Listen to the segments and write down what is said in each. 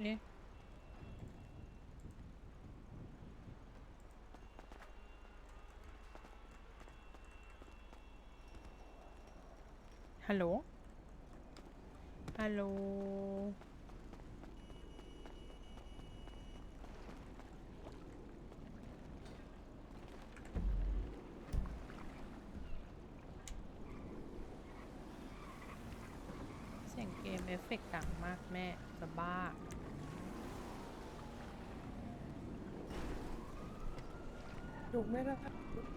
เอ๊ะฮัลโหลฮัลโหลเสียงเกมเอฟเฟกต์ดังมากแม่จะบ้าถูกไหมล่ะครับ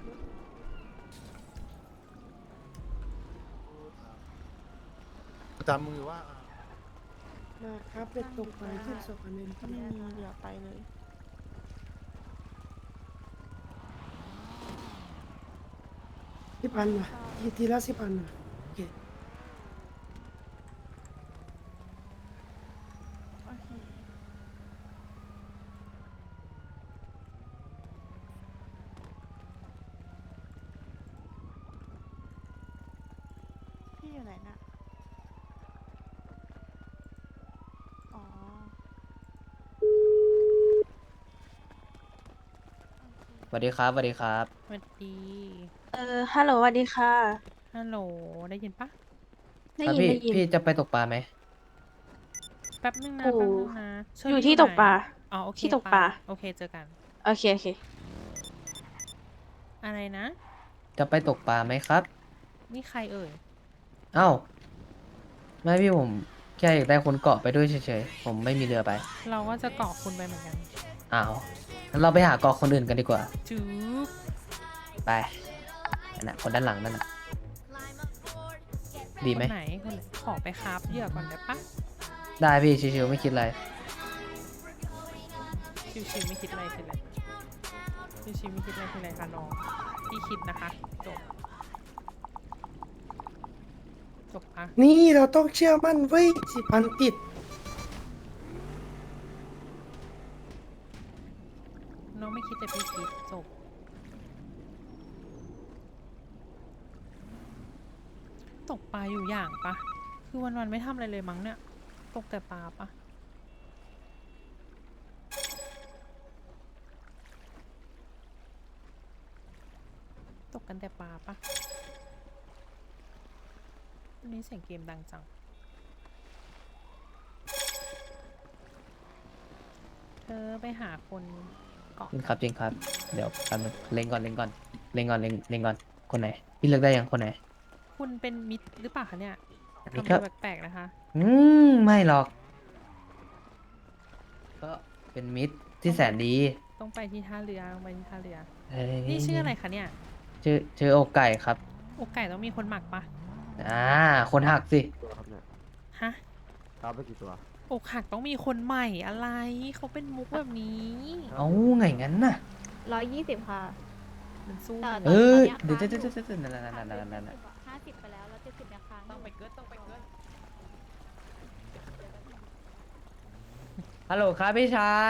จำมือว่านะครับเด็กตกปลาที่สกอันนี้ก็ไม่มีเหลือไปเลย 10,000ว่ะทีละ10,000ว่ะโอเคโอเค พี่อยู่ไหนน่ะ อ๋อสวัสดีครับสวัสดีครับสวัสดีฮัลโหลสวัสดีค่ะฮัลโหลได้ยินปะได้ครับยินได้ยินพี่จะไปตกปลาไหมแป๊บนึงนะโอ้แป๊บนึงนะเชออยู่รี่ที่ไหนตกปลาอ๋อโอเคที่ตกปลาโอเคเจอกันโอเค โอเคอะไรนะจะไปตกปลาไหมครับนี่ใครเอ่ยเอ้าไม่พี่ผมแค่อยากได้คนเกาะไปด้วยเฉยๆผมไม่มีเรือไปเราก็จะเกาะคุณไปเหมือนกันอ้าวงั้นเราไปหาเกาะคนอื่นกันดีกว่าจื๊บไปนั่นน่ะคนด้านหลังนั่นน่ะดีคไหมนไหนคนไหนขอไปคราฟเหยื่อก่อนได้ปะได้พี่ชิวๆไม่คิดอะไรชิวๆไม่คิดอะไรคืออะไรชิวๆไม่คิดอะไรคืออะไรคะน้องพี่คิดนะคะจบจบปะนี่เราต้องเชื่อมั่นไว้ย10,000ติดน้องไม่คิดแต่พี่คิดจบตกปลาอยู่อย่างปะคือวันๆไม่ทำอะไรเลยมั้งเนี่ยตกแต่ปลาปะตกกันแต่ปลาปะวันนี้เสียงเกมดังจังเธอไปหาคนเกาะจริงครับจริงครับ เดี๋ยวแป๊บนึงเล็งก่อนเล็งก่อนเล็งก่อนเล็งเล็งก่อนคนไหนพี่เลือกได้ยังคนไหนคุณเป็นมิตรหรือเปล่าคะเนี่ยอันนี้ทำก็ตัวแปลกๆนะคะไม่หรอก ก็เป็นมิตรที่แสนดีต้องไปที่ท่าเรือต้องไปที่ท่าเรือเฮ้ยนี่ชื่ออะไรคะเนี่ยชื่ออกไก่ครับอกไก่ต้องมีคนหมักปะคนหักสิตัวครับเนี่ยฮะครับไปกี่ตัวอกหักต้องมีคนใหม่อะไร เขาเป็นมุกแบบนี้เอาไงงั้นน่ะ 120 ค่ะมันสู้แต่มันเออตอนเดี๋ยวเนี้เดี๋ยวยค้างเดี๋ยวนั่นนั่น 50 ไปแล้ว แล้ว 70ยังค้างต้องไปเกิดต้องไปเกิดฮัลโหลครับพี่ชาย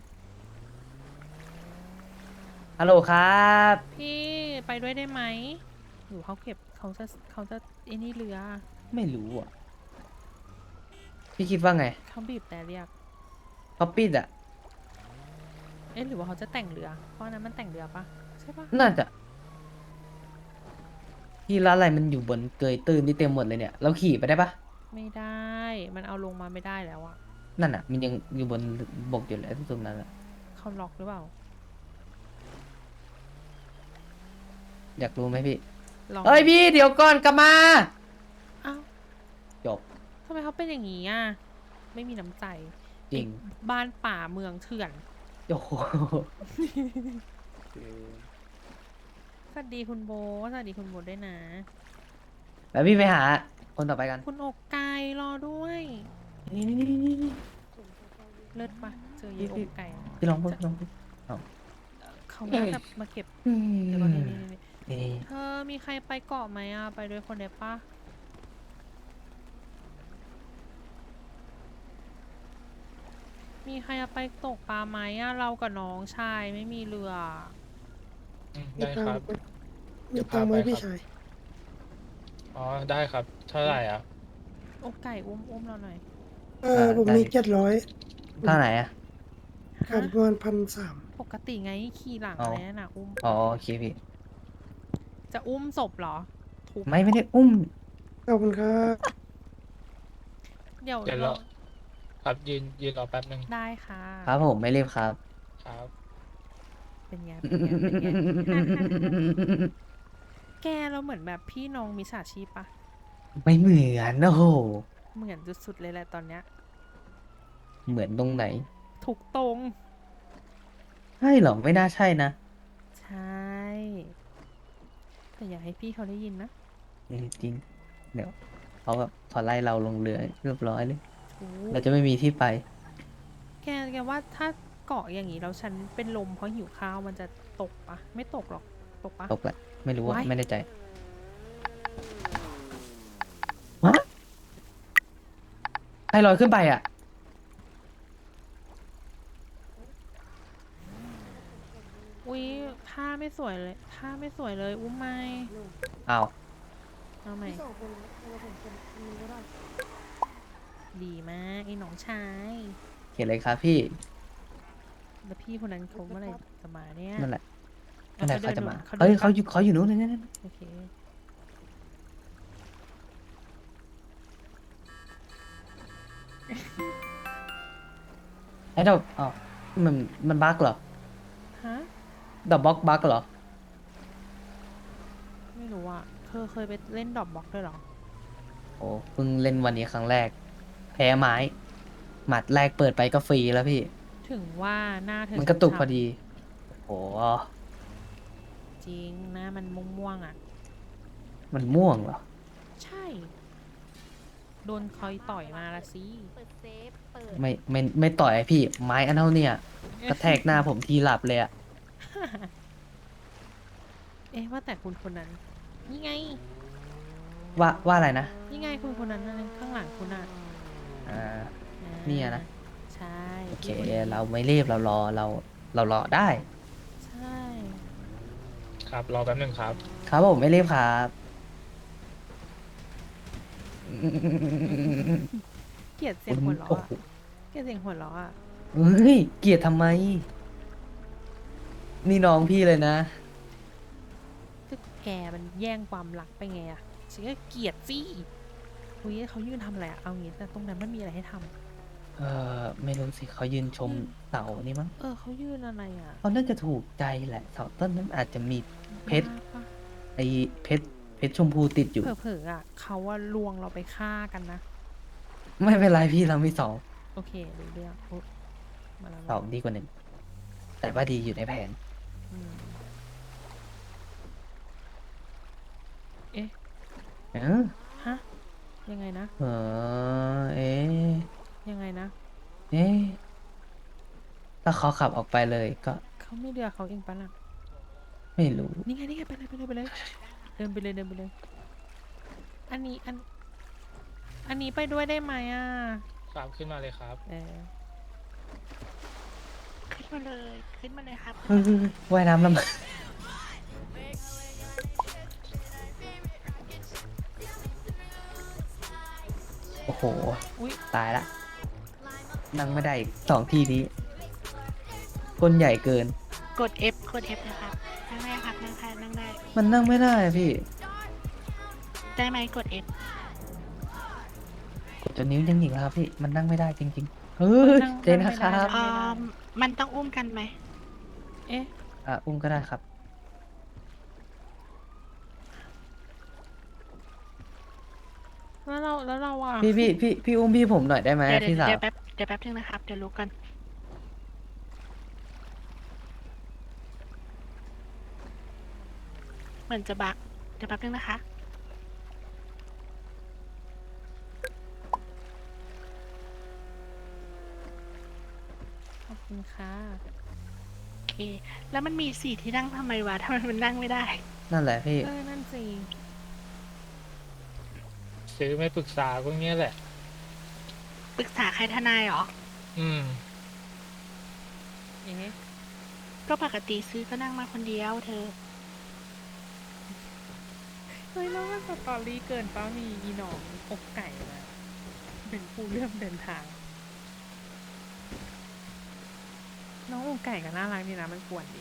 ฮัลโหลครับพี่ไปด้วยได้ไหมหรือเขาเก็บเขาจะไอ้นี่เรือไม่รู้อ่ะ พี่คิดว่าไงเขาบีบแต่เรียกเขาปิดอ่ะเอ๊ะหรือว่าเขาจะแต่งเรือ เพราะอันนั้นมันแต่งเรือปะใช่ปะน่าจะที่ร้านอะไรมันอยู่บนเกยตื้นที่เต็มหมดเลยเนี่ย เราขี่ไปได้ปะไม่ได้ มันเอาลงมาไม่ได้แล้วอะนั่นอ่ะ มันยังอยู่บนบกอยู่เลยตรงนั้นอ่ะเขาล็อกหรือเปล่าอยากรู้ไหมพี่ลองเอ้ยพี่เดี๋ยวก่อนกลับมาอ้าวจบทำไมเขาเป็นอย่างนี้อ่ะ ไม่มีน้ำใจจริงไอ้บ้านป่าเมืองเถื่อนโอ้โหสวัสดีคุณโบสวัสดีคุณโบด้วยนะแล้วพี่ไปหา คนต่อไปกันคุณอกไก่รอด้วยนี่เลิศปะเจอเยายอกไก่พี่ลองพูดพี่ลองพูดเขาน่าจะมาเก็บอืมเดี๋ยวก่อนนี่นี่เธอมีใครไปเกาะไหมอ่ะ ไปด้วยคนเดียวปะมีใครจะไปตกปลาไหมอ่ะ เรากับน้องชายไม่มีเรือมีได้ตังครับค์มีตังค์ไหมพี่ชายอ๋อ ได้ครับ เท่าไหร่อ่ะอกไก่อุ้มเราหน่อยผมมี700 เท่าไหนอะขาดประมาณ1,300 ปกติไงขี่หลังอ๋ออะไรนั่นน่ะอุ้มอ๋อโอเคพี่จะอุ้มศพเหรอทุบไม่ได้อุ้มขอบคุณครับเดี๋ยวเดี๋ยวเราเราครับยืนรอแป๊บนึงได้ค่ะครับผมไม่รีบครับครับเป็นไงเป็นไงเป็นไง แกเราเหมือนแบบพี่น้องมิจฉาชีพปะไม่เหมือนโอ้โหเหมือนสุดๆเลยแหละตอนเนี้ยเหมือนตรงไหนถูกตรงใช่เหรอไม่น่าใช่นะใช่ แต่อย่าให้พี่เขาได้ยินนะจริง เดี๋ยวเขาแบบพอไล่เราลงเรือเรียบร้อยเลยถูกเราจะไม่มีที่ไปแกว่าถ้าเกาะอย่างนี้แล้วฉันเป็นลมเพราะหิวข้าวมันจะตกปะไม่ตกหรอกตกปะตกแหละไม่รู้ว่าไว้ไม่ได้ใจฮะให้ลอยขึ้นไปอ่ะอุ๊ยท่าไม่สวยเลยท่าไม่สวยเลยอุ้มไม่อ้าวเอาใหม่พี่2 คนเรา2 คนมึงก็ได้ดีมากไอ้น้องชายเขียนเลยครับพี่แล้วพี่คนนั้นเขาเมื่อไหร่จะมาเนี่ยนั่นแหละอนั่นแหละเขาจะมาเขาเฮ้ยดินเขาอยู่นู้นนั่นโอเคไอ้ดอกอ๋อมันบั๊กเหรอฮะดอกบล็อกบั๊กเหรอไม่รู้อ่ะเธอเคยไปเล่นดรอปบล็อกด้วยเหรอโอ้เพิ่งเล่นวันนี้ครั้งแรก แพ้ไม้ หมัดแรกเปิดไปก็ฟรีแล้วพี่ถึงว่าหน้าเธอมันกระตุกช้ำๆพอดี โอ้โหจริงหน้ามันม่วงๆอ่ะมันม่วงเหรอใช่ โดนคอยต่อยมาละสิเปิดเซฟ เปิดไม่ต่อยไอ้พี่ ไม้อันเท่าเนี่ยกระแทกหน้าผมทีหลับเลยอะเอ๊ะว่าแต่คุณคนนั้น นี่ไงว่าอะไรนะนี่ไงคุณคนนั้นนะข้างหลังคุณอ่ะอ่าอ่าเนี่ยนะใช่โอเคพี่นนี้เราไม่รีบเรารอได้ใช่ครับรอแป๊บนึงครับครับผมไม่รีบครับเกลียดเสียงหัวเราะโอ้อะโหเกลียดเสียงหัวเราะอ่ะเฮ้ย เกลียดทำไม นี่น้องพี่เลยนะก็แกมันแย่งความรักไปไงอ่ะฉันก็เกลียดสิอุ้ยเขายืนทำอะไรอะเอางี้แต่ตรงนั้นมันมีอะไรให้ทำไม่รู้สิเขายืนชมเสานี่มั้งเขายืนอะไรอ่ะเขาน่าจะถูกใจแหละเสาต้นนั้นอาจจะมี เพชรบ้าปะไอ้เพชรชมพูติดอยู่เผลอๆอ่ะเขาว่าลวงเราไปฆ่ากันนะไม่เป็นไรพี่เรามีสองโอเครู้เรื่องอุ๊ยมาแล้วสองดีกว่าหนึ่ง แต่ว่าดีอยู่ในแผนอืมเอ๊ะเออฮะ ยังไงนะเอ๊ะยังไงนะเอ๊ะถ้าเขาขับออกไปเลยก็เขาไม่เรือเขาเองปะล่ะไม่รู้นี่ไงนี่ไงไปเลยไปเลยไปเลยเดินไปเลยเดินไปเลย อันนี้ไปด้วยได้ไหมอ่ะครับขึ้นมาเลยครับขึ้นมาเลย ขึ้นมาเลยครับเฮ้ยว่ายน้ำลำบากโอ้โหอุ๊ยตายละ นั่งไม่ได้อีกสองทีนี้คนใหญ่เกินกด F กด F นะครับ นั่งได้ครับ นั่งได้นั่งได้มันนั่งไม่ได้อะพี่ได้ไหมกด F กดจนนิ้วยังหยิกแล้วครับพี่ มันนั่งไม่ได้จริงๆ เฮ้ยนั่งเจนะครับไม่ได้มันต้องอุ้มกันไหมเอ๊ะอุ้มก็ได้ครับแล้วเราอ่ะพี่อุ้มพี่ผมหน่อยได้ไหมเดี๋ยวพี่สาวเดี๋ยวแป๊บนึงนะครับ เดี๋ยวรู้กัน เหมือนจะบักเดี๋ยวแป๊บนึงนะคะขอบคุณค่ะโอเค แล้วมันมี4ที่นั่งทำไมวะทำไมมันนั่งไม่ได้นั่นแหละพี่นั่นสิซื้อไม่ปรึกษาพวกเนี้ยแหละปรึกษาใครทนายเหรออืมเอ๊ะก็ปกติซื้อก็นั่งมาคนเดียวเธอเฮ้ยแล้วมันสตอรี่เกินป้ามีอีหนองอกไก่มาเป็นผู้เริ่มเดินทางน้องอกไก่ก็น่ารักดีนะมันกวนดี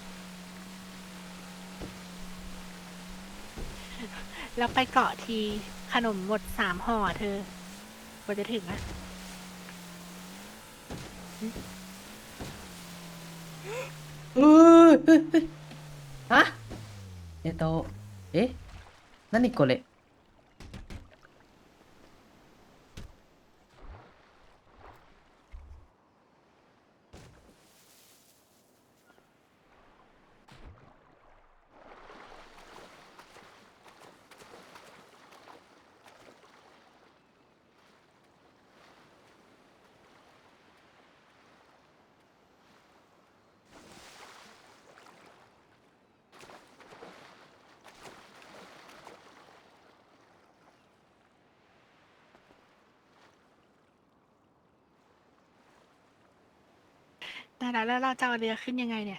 แล้วไปเกาะทีขนมหมด3 ห่อเธอกว่าจะถึงอะเออฮะโตเอ๊ะนั่นนี่โกเละแต่แล้วเราจะเอาเรือขึ้นยังไงเนี่ย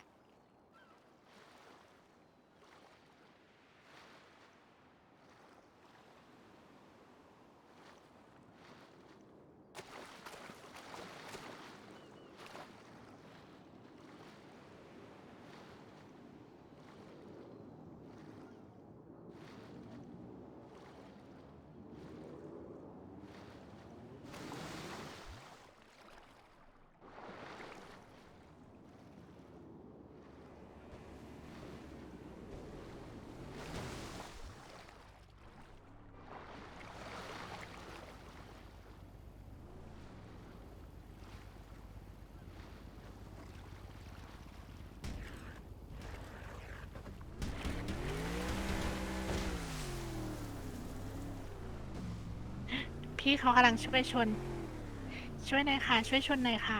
พี่เขากำลังช่วยชน ช่วยหน่อยค่ะ ช่วยชนหน่อยค่ะ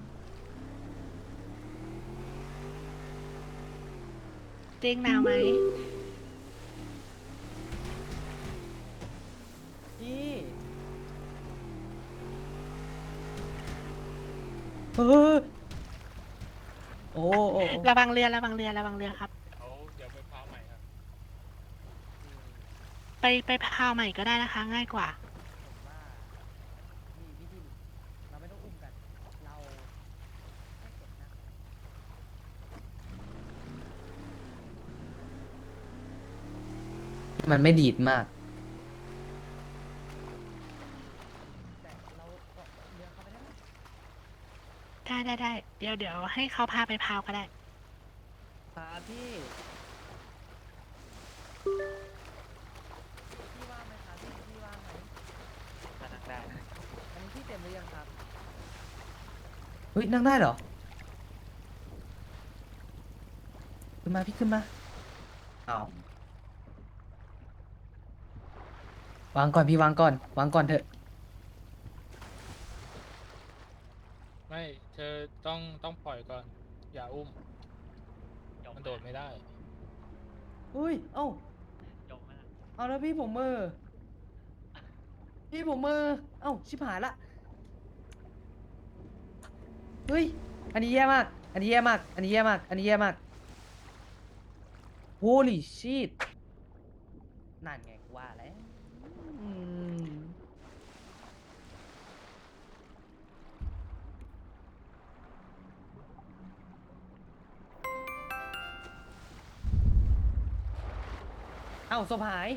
เตียงหนาวไหมพี่เออโอ้โอ้ระวังเรือระวังเรือระวังเรือครับเดี๋ยวไปพาใหม่ครับไปพาวใหม่ก็ได้นะคะ ง่ายกว่าผมว่ามีวิธีเราไม่ต้องอุ้มกัน เราแค่กดนั่งมันไม่ดีดมากแต่เราเกาะเรือเข้าไปได้ไหมได้เดี๋ยวให้เขาพาไปพาวก็ได้ครับพี่ว่างไหมครับพี่ว่างไหมนั่งได้อันนี้พี่เต็มหรือยังครับเฮ้ยนั่งได้เหรอขึ้นมาพี่ขึ้นมาเอาวางก่อนพี่วางก่อนวางก่อนเถอะไม่เธอต้องปล่อยก่อน อย่าอุ้ม มันโดดไม่ได้อุ้ยเอ้าเอาแล้วพี่ผมมือพี่ผมมือเอ้าชิบหายละเฮ้ยอันนี้แย่มากอันนี้แย่มากอันนี้แย่มากอันนี้แย่มาก Holy shit นั่นไงกูว่าแล้วอืมเอ้าศพหาย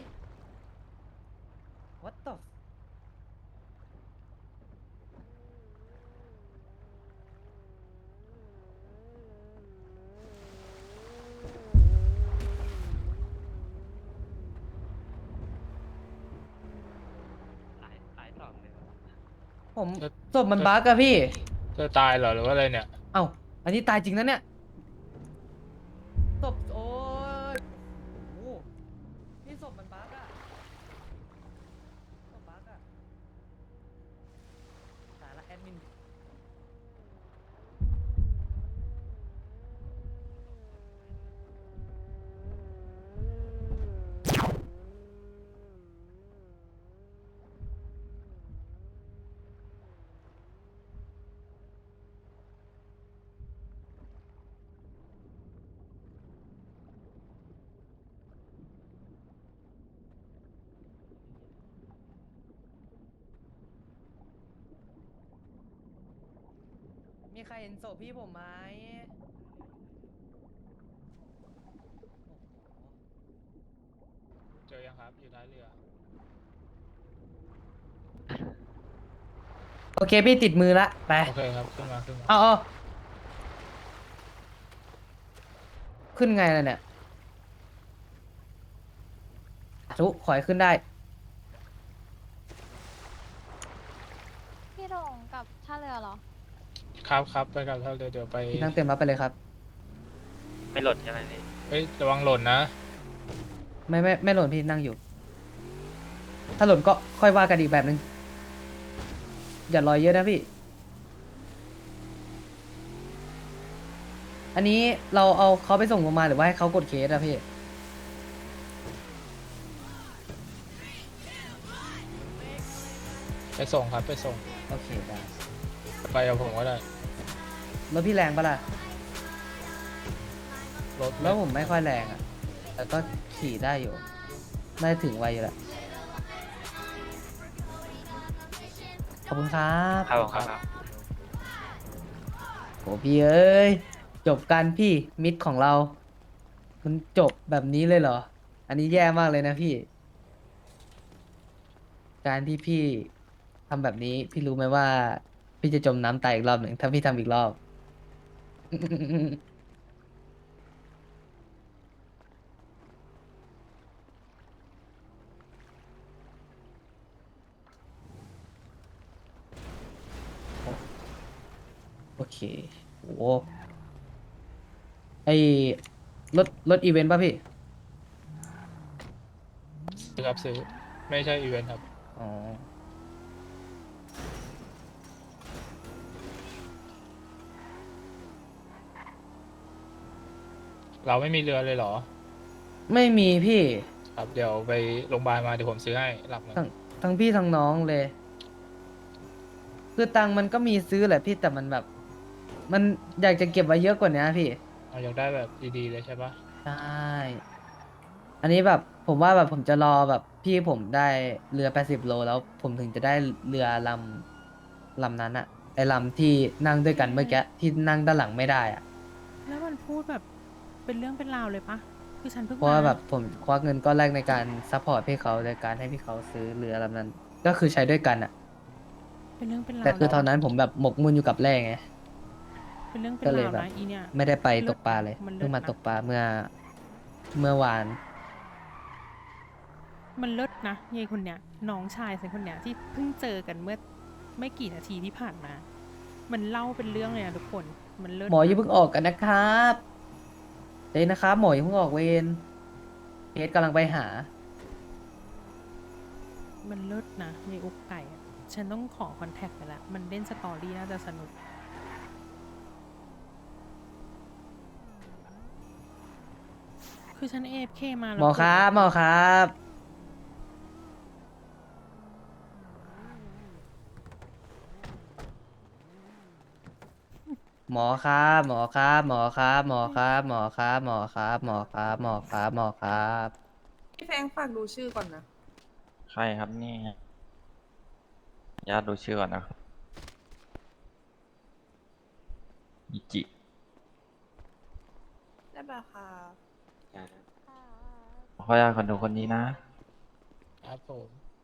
What the ผมเธอศพมันบั๊กอะพี่เธอตายเหรอหรือว่าอะไรเนี่ยเอ้าอันนี้ตายจริงนะเนี่ยศพโอ้ยโอ้โหพี่ศพมันบั๊กอะศพบั๊กอะตายละแอดมินมีใครเห็นศพพี่ผมไหมเจอยังครับ อยู่ท้ายเรือโอเคพี่ติดมือละไปโอเคครับ ขึ้นมาขึ้นมาเอาขึ้นไงล่ะเนี่ยทุกขอให้ขึ้นได้พี่หลงกับท่าเรือเหรอครับครับไปกับท่าเรือเดี๋ยวไปพี่นั่งเต็มรับไปเลยครับไม่หล่นใช่ไหมพี่เฮ้ยระวังหล่นนะไม่หล่นพี่นั่งอยู่ ถ้าหล่นก็ค่อยว่ากันอีกแบบนึง อย่าลอยเยอะนะพี่ อันนี้เราเอาเขาไปส่งโรงพยาบาลหรือว่าให้เขากดเคสอะพี่ไปส่งครับไปส่งโอเคได้ไปกับผมก็ได้รถพี่แรงปะล่ะรถแล้วผมไม่ค่อยแรงอะแต่ก็ขี่ได้อยู่ ได้ถึงไวอยู่แหละ ขอบคุณครับครับผมครับโหพี่เอ้ย จบกันพี่มิตรของเรา มันจบแบบนี้เลยเหรอ อันนี้แย่มากเลยนะพี่ การที่พี่ทำแบบนี้ พี่รู้ไหมว่า พี่จะจมน้ำตายอีกรอบหนึ่งถ้าพี่ทำอีกรอบ โอเคโอ้ไอรถอีเวนต์ป่ะพี่ซื้อครับซื้อ ไม่ใช่อีเวนต์ครับอ๋อเราไม่มีเรือเลยเหรอไม่มีพี่ครับเดี๋ยวไปโรงพยาบาลมาเดี๋ยวผมซื้อให้หลักหนึ่งทั้งพี่ทั้งน้องเลย คือตังค์มันก็มีซื้อแหละพี่แต่มันแบบ มันอยากจะเก็บไว้เยอะกว่านี้พี่เราอยากได้แบบดีๆเลยใช่ปะใช่ อันนี้แบบผมว่าแบบผมจะรอแบบพี่ผมได้เรือ80 โลแล้วผมถึงจะได้เรือลำนั้นอะไอลำที่นั่งด้วยกันเมื่อกี้ที่นั่งด้านหลังไม่ได้อะแล้วมันพูดแบบเป็นเรื่องเป็นราวเลยปะคือฉันเพิ่งเพราะว่ามาแบบผมควักเงินก้อนแรกในการซัพพอร์ตพี่เขาโดยการให้พี่เขาซื้อเรือลำนั้น ก็คือใช้ด้วยกันอะเป็นเรื่องเป็นราวแต่คือตอนนะนั้นผมแบบหมกมุ่นอยู่กับแร่ไงเป็นเรื่องเป็นก็เลยราวแบบนะอีเนี่ยไม่ได้ไปเลิศตกปลาเลยมันเลิศเพิ่งมานะตกปลาเมื่อวานมันเลิศนะยายคนเนี้ยน้องชายฉันคนเนี้ยที่เพิ่งเจอกันเมื่อไม่กี่นาทีที่ผ่านมา มันเล่าเป็นเรื่องเลยนะทุกคน มันเลิศหมออย่านะเพิ่งออกกันนะครับเดี๋ยวนะครับ หมออย่าเพิ่งออกเวรเคสกำลังไปหามันเลิศนะยายอุกไก่อะฉันต้องขอคอนแทคไปละมันเล่นสตอรี่น่าจะสนุก คือฉัน AFK มาแล้วหมอครับหมอครับ หมอครับหมอครับหมอครับหมอครับหมอครับหมอครับหมอครับหมอครับหมอครับพี่แฟงฝากดูชื่อก่อนนะใครครับนี่ญาติดูชื่อก่อนนะครับอิจิได้ป่ะค่ะขออนุญาตคนดูคนนี้นะครับผม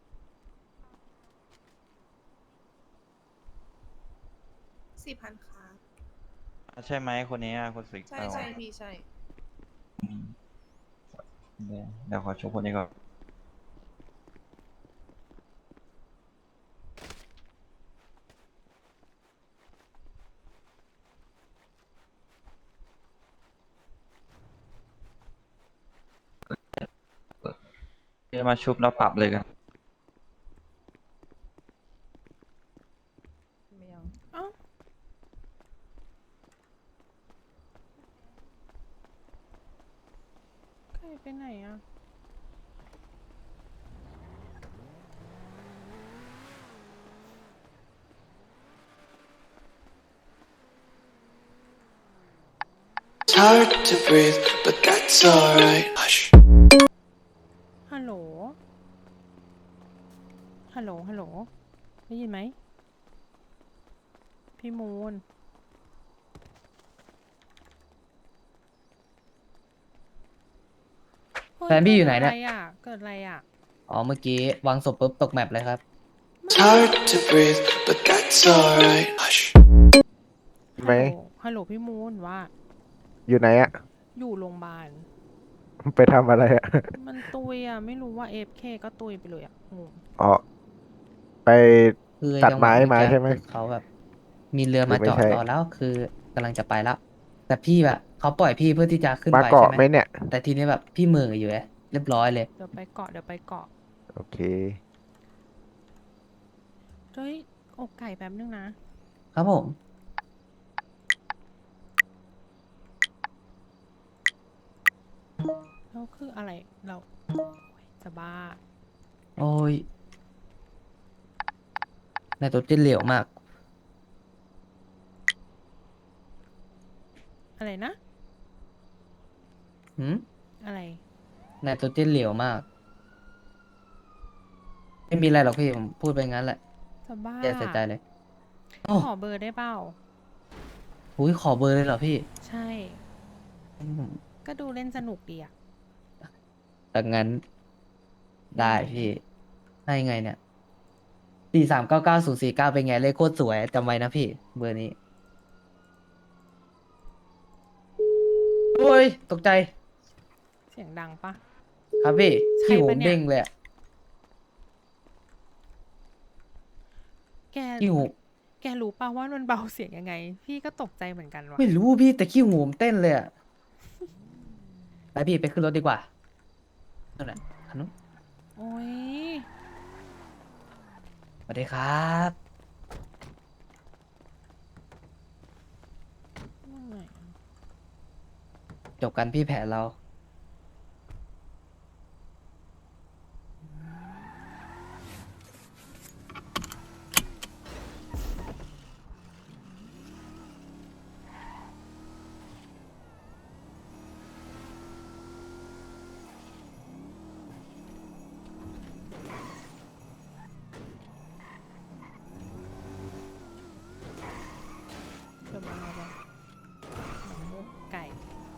4,000ค่ะใช่ไหมคนนี้อะคนสิใช่ใช่พี่ใช่เดี๋ยวขอชมคนนี้ก่อน เดี๋ยวมาชุบแล้วปรับเลยกันไม่เอาเอ้าใครไปไหนอ่ะ It's hard to breathe, but that's alright. Hush. ฮัลโหล ฮัลโหล ฮัลโหล ได้ยินไหม พี่มูนฮ้แฟนพี่อยู่ไหนเนี่ยเกิดอะไรอ่ะอ๋อเมื่อกี้วางศพปุ๊บตกแมปเลยครับ It's hard to breathe, but that's alright. Hush. ไหมฮัลโหลพี่มูนว่าอยู่ไหนอะอยู่โรงพยาบาลไปทำอะไรอะมันตุยอ่ะ ไม่รู้ว่า AFK ก็ตุยไปเลยอ่ะงงอ๋อ ไปคือตัดจังหวะไม้มาเอกี้ใช่ไหมคือเขาแบบ มีเรือมาหรือไม่จอดใช่รอแล้วคือกำลังจะไปแล้ว แต่พี่แบบเขาปล่อยพี่เพื่อที่จะขึ้นมาไปเกาะใช่ไหมเนี่ยแต่ทีนี้แบบพี่เหมืออยู่ไงเรียบร้อยเลยเดี๋ยวไปเกาะ เดี๋ยวไปเกาะโอเคเฮ้ยอกไก่แป๊บนึงนะครับผมแล้วคืออะไร เราโอ๊ยจะบ้าโอ้ยไนโตรเจนเหลวมากอะไรนะหืมอะไรไนโตรเจนเหลวมาก ไม่มีอะไรหรอกพี่ผมพูดไปงั้นแหละจะบ้าอย่าเสียใจเลย โอ้ขอเบอร์ได้เปล่าโหขอเบอร์เลยเหรอพี่ใช่อืมก็ดูเล่นสนุกดีอ่ะดังนั้น ได้พี่ ให้ไงเนี่ย4399 049เป็นไงเลขโคตรสวยจำไว้นะพี่ เบอร์นี้ โอ้ย ตกใจเสียงดังปะครับพี่ใช่ขี้หูปะเนี่ยเด้งเลยอะแกขี้หูแกรู้ป่าว่ามันเบาเสียงยังไง พี่ก็ตกใจเหมือนกันว่ะไม่รู้พี่แต่ขี้หูผมเต้นเลยอะไปพี่ไปขึ้นรถดีกว่านั่นแหละคันนู้นโอ้ยสวัสดีครับเหนื่อยจบกันพี่แผนเราเดี๋ยวมาเอาหนังมุกไก่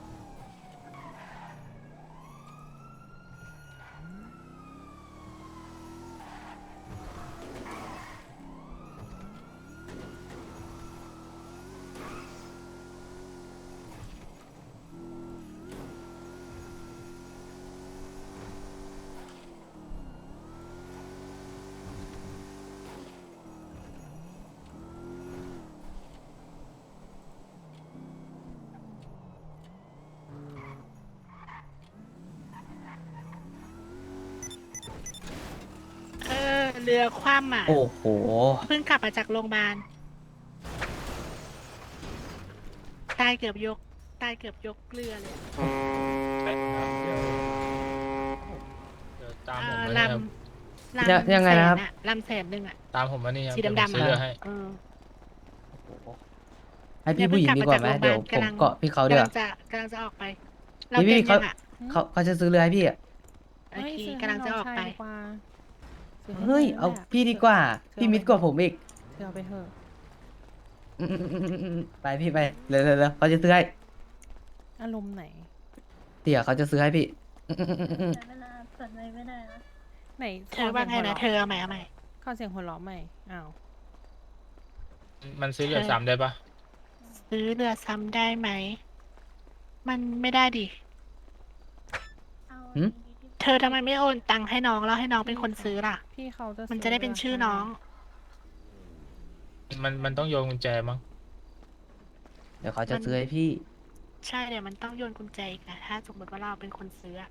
เรือคว่ำอ่ะโอ้โหเพิ่งกลับมาจากโรงพยาบาลตายเกือบยกเรือเลยเดี๋ยวตามเอผมอมาลนี่ครับำยังไงนะครับลำแสนหนึ่งอ่ะตามผมมานี่ครับสีเยวผมดำๆซื้อเรือให้เออให้พี่ผู้หญิงดีกว่าไหมเนี่ยเพิ่เดี๋ยวงกลับมาจากโรงพยาบาลผมเกาะพี่เขาเดี๋ยวกำลังจะออกไป เราพี่เต็มเขายังอ่ะเขาจะซื้อเรือให้พี่อะโอเฮ้ยเคซื้ให้กำลังจะออกน้ชายไปดีกว่าซื้ให้เฮ้ยน้เอาแหละพี่ดีกว่าเธอพี่เอมิดไปกว่าผมอีกเธอเอาไปเถอะไปพี่ไปเร็วเขาจะซื้อให้อารมณ์ไหนเตี่ยเขาจะซื้อให้พี่ไหนเธอว่าไงนะเธอเอาใหม่เอาใหม่ขอเสียงหัวเราะใหม่ อ้าวมันซื้อเรือซ้ำได้ปะซื้อเรือซ้ำได้ไหม มันไม่ได้ดิหืมเธอทำไมไม่โอนตังค์ให้น้องแล้วให้น้องเป็นคนซื้อล่ะพี่เขาจะมันจะได้เป็นชื่อน้องมันต้องโยนกุญแจมั้งเดี๋ยวเขาจะซื้อให้พี่ใช่เดี๋ยวมันต้องโยนกุญแจอีกนะถ้าสมมติว่าเราเป็นคนซื้ออะ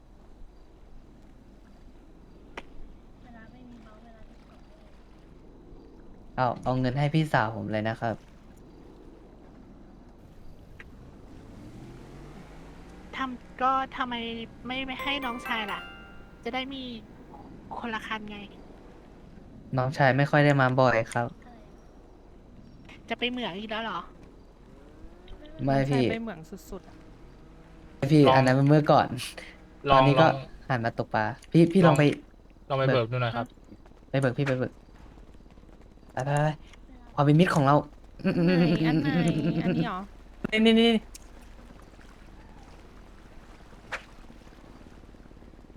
เอาเงินให้พี่สาวผมเลยนะครับก็ทำไมไม่ให้น้องชายล่ะ จะได้มีคนละคันไงน้องชายไม่ค่อยได้มาบ่อยครับจะไปเหมืองอีกแล้วเหรอไม่ใช่พี่ไปเหมืองสุดๆอะพี่ลองอันนั้นมันเมื่อก่อนลตออนงนี้ลก็องหันมาตกปลาพี่ลองไปลองไปเบิกดูหน่อยครับไปเบิกพี่ไปเบิกไปความเป็นมิตรของเราไหนอันไหนอันนี้เหรอนี่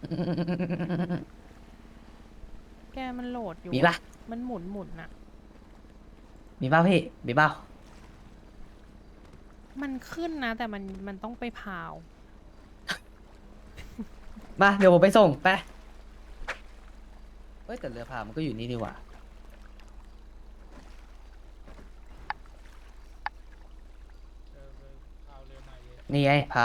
แกมันโหลดอยู่มีปะมันหมุนน่ะมีเปล่าพี่ มีเปล่ามันขึ้นนะ แต่มันต้องไปพาวมา เดี๋ยวผมไปส่งไปเอ้ยแต่เรือพามันก็อยู่นี่ดีกว่าเธอไปเอาเรือใหม่เลยนี่ไงพาว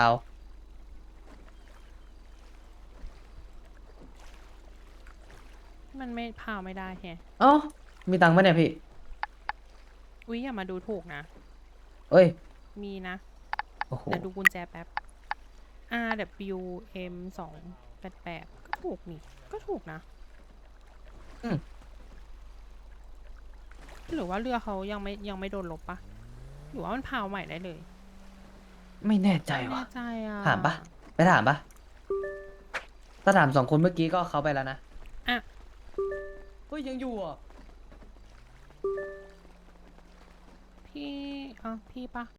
มันไม่พาวไม่ได้แฮะเอ้า มีตังค์ปะเนี่ยพี่อุ๊ยอย่ามาดูถูกนะเอ้ยมีนะโอ้โหเดี๋ยวดูกุญแจแป๊บ RWM 288ก็ถูกนี่ ก็ถูกนะอืมหรือว่าเรือเขายังไม่โดนลบปะหรือว่ามันพาวใหม่ได้เลยไม่แน่ใจไม่ว่ะแน่ใจอ่ะถามปะ ไปถามปะถ้าถาม2 คนเมื่อกี้ก็เขาไปแล้วนะอ่ะเฮ้ย ยังอยู่อ่ะพี่พี่ปะ